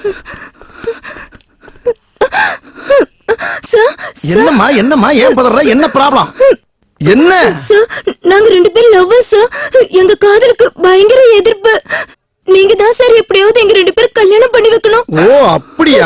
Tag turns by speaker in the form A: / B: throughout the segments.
A: என்னம்மா என்னம்மா ஏன் பதற? என்ன ப்ராப்ளம்? என்ன
B: சார், நாங்க 2 பேரும் லவ்வர்ஸ் சார். எங்க காதலுக்கு பயங்கர எதிர்ப்பு. நீங்க தான் சார் எப்படியாவது எங்க 2 பேரும் கல்யாணம் பண்ணி வைக்கணும்.
A: ஓ அப்படியா?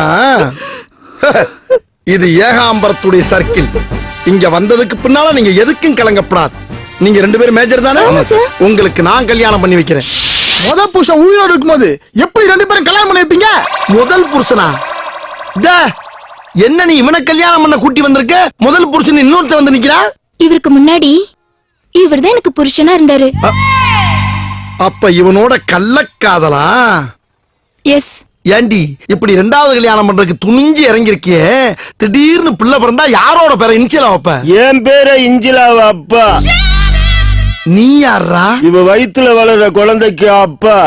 A: இது ஏகாம்பரத்துடைய சர்க்கிள். இங்க வந்ததுக்கு பின்னால நீங்க எதுக்கும் கலங்கப்படாது. நீங்க 2 பேரும் மேஜர் தானே? உங்களுக்கு நான் கல்யாணம் பண்ணி வைக்கிறேன்.
C: முதல் புருஷன் உயிரோடு இருக்கும்போது எப்படி 2 பேரும் கல்யாணம் பண்ணி வைப்பீங்க?
A: முதல் புருஷனா? என்ன நீ இவனை கல்யாணம் பண்ண கூட்டி வந்திருக்க? முதல் புருஷன் இன்னொருத்த வந்து நிக்கிறா.
B: இவருக்கு முன்னாடி இவர்தான் எனக்கு புருஷனா இருந்தாரு.
A: அப்ப இவனோட கள்ளக்காதலா?
B: எஸ்.
A: ஏண்டி இப்படி 2வது கல்யாணம் பண்றதுக்கு துணிஞ்சு இறங்கிருக்கியே, திடீர்னு பிள்ளை பிறந்தா யாரோட பேரை இன்சிலா வைப்ப?
D: என் பேரை இஞ்சிலாவ அப்பா.
A: நீ யாரா?
D: இவ வயித்துல வளர்ற குழந்தைக்கு அப்பா.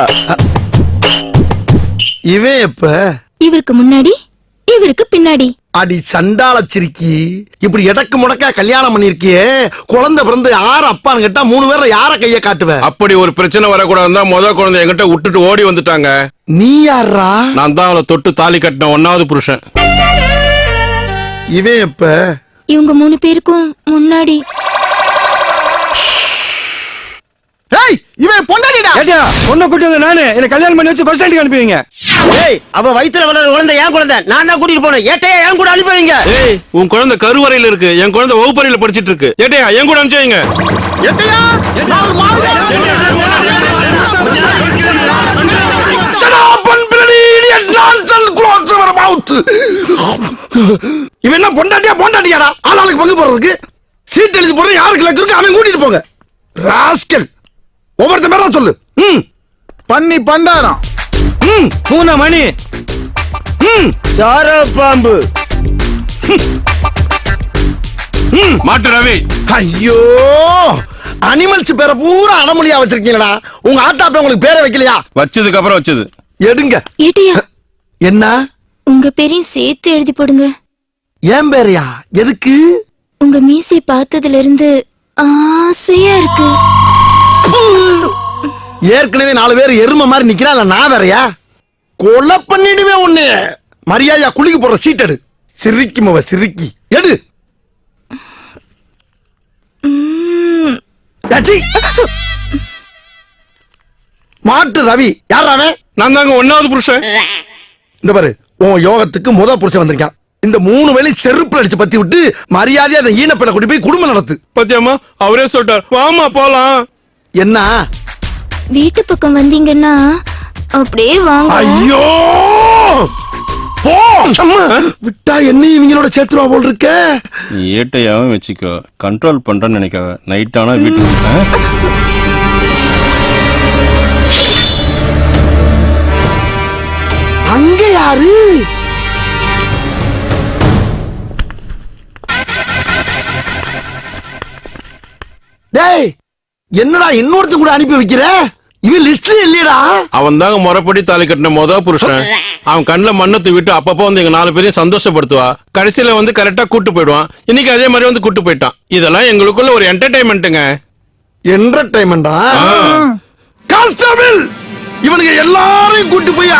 A: இவன் எப்ப?
B: இவருக்கு முன்னாடி இவருக்கு பின்னாடி.
A: அடி சண்டால சிரிக்கி, இப்படி எடக்கு முடக்கா கல்யாணம் பண்ணிருக்கியே, குழந்தை பிறந்து யார அப்பான்னு கேட்டா 3 பேர்ல யார கைய காட்டுவ?
E: அப்படி ஒரு பிரச்சனை வரக்கூடாதுன்னா முத குழந்தை என்கிட்ட விட்டுட்டு ஓடி வந்துட்டாங்க.
A: நீ யாரா?
E: நான் தான் அவளை தொட்டு தாலி கட்டின 1வது புருஷன்.
A: இவன் எப்ப?
B: இவங்க 3 பேருக்கும் முன்னாடி.
C: ஏய், இவன் பொண்டாட்டிடா.
D: ஏட்டா பொண்ணை கூட்டி வந்து நானு என்ன கல்யாணம் பண்ணி வச்சு பஸ் ஸ்டாண்டுக்கு அனுப்புவீங்க.
F: ஏய், அவ வயித்துல வளர்ற குழந்தை என் குழந்தை. நான் தான் கூட்டிட்டு போனேன். ஏட்டையா என் கூட அனுப்புவீங்க?
E: ஏய், உன் குழந்தை கருவறையில இருக்கு, என் குழந்தை வகுப்பறையில படிச்சிட்டு இருக்கு. ஏட்டையா என் கூட அனுப்பிச்சீங்க.
A: எட்டையா நான் ஒரு மாதிரி Shut up and bloody idiot nonsense close your mouth. இவன் என்ன பொண்டாட்டியாடா? ஆளாளுக்கு பங்கு போறதுக்கு சீட் எழுதி போற யாருக்கு லக்கு இருக்கு அவன் கூட்டிட்டு போங்க. ராஸ்கல், ஒவ்வொருத்த பேரா சொல்லு.
C: பண்ணி பண்டாரம்.
D: பூனை மணி. சார பாம்பு.
E: மாட்டு ரவி.
A: ஐயோ, அனிமல்ஸ் பேரை பூரா அடமொழியா வச்சிருக்கீங்களா? உங்க ஆட்டாப்ப உங்களுக்கு பேரை வைக்கலையா?
E: வச்சதுக்கு அப்புறம் வச்சது.
A: எடுங்க.
B: ஏட்டையா,
A: என்ன?
B: உங்க பேரையும் சேர்த்து எழுதி போடுங்க.
A: ஏன் பேரையா? எதுக்கு?
B: உங்க மீசை பார்த்ததுல இருந்து ஆசையா இருக்கு.
A: ஏற்கனவே 4 பேர் எருமை மாதிரி நிக்கிறா, இல்ல நான் வேறையா? கொலை பண்ணிடுவேன் உன்னை. மரியாதையா குளிக்க போற சீட் எடு. சிரிக்கி மவ சிரிக்கி எடு. மாட்டு ரவி யார் அவன்?
E: நான் தாங்க 1வது புருஷன்.
A: இந்த பாரு, உன் யோகத்துக்கு முத புருஷன் வந்திருக்கான். இந்த 3 வேளை செருப்புல அடிச்சு பத்தி விட்டு மரியாதையா அந்த ஈனப்பெண்ணை கூட்டி போய் குடும்பம் நடத்து.
E: பத்தியம்மா அவரே சொல்லிட்டார், வாமா போலாம்.
A: என்ன?
B: வீட்டு பக்கம் வந்தீங்கன்னா அப்படியே வாங்க.
A: ஐயோ போ. அம்மா விட்டா என்ன இவங்களோட சேர்த்துருவா போல் இருக்க.
E: நீ ஏட்டையாவும் வச்சுக்கோ, கண்ட்ரோல் பண்றேன்னு நினைக்காத. நைட் ஆனா வீட்டுக்கு
A: அங்க யாரு? டேய், என்னடா இன்னொருத்த கூட அனுப்பி வைக்கிற? இவன் லிஸ்ட்ல இல்லையடா.
E: அவன் தாங்க முறைப்படி தாலி கட்டின முத புருஷன். அவன் கண்ணுல மண்ணத்தை விட்டு அப்பப்போ வந்து எங்க 4 பேரையும் சந்தோஷப்படுத்துவா. கடைசியில வந்து கரெக்டா கூட்டு போயிடுவான். இன்னைக்கு அதே மாதிரி வந்து கூட்டு போயிட்டான். இதெல்லாம் எங்களுக்குள்ள ஒரு என்டர்டைன்மெண்ட்டுங்க.
A: என்டர்டைன்மெண்டா? கான்ஸ்டபிள், இவனுக்கு எல்லாரையும் கூட்டி போய்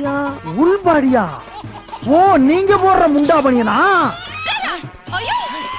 C: உள்பாடியா? ஓ, நீங்க போடுற முண்டா பணியனா?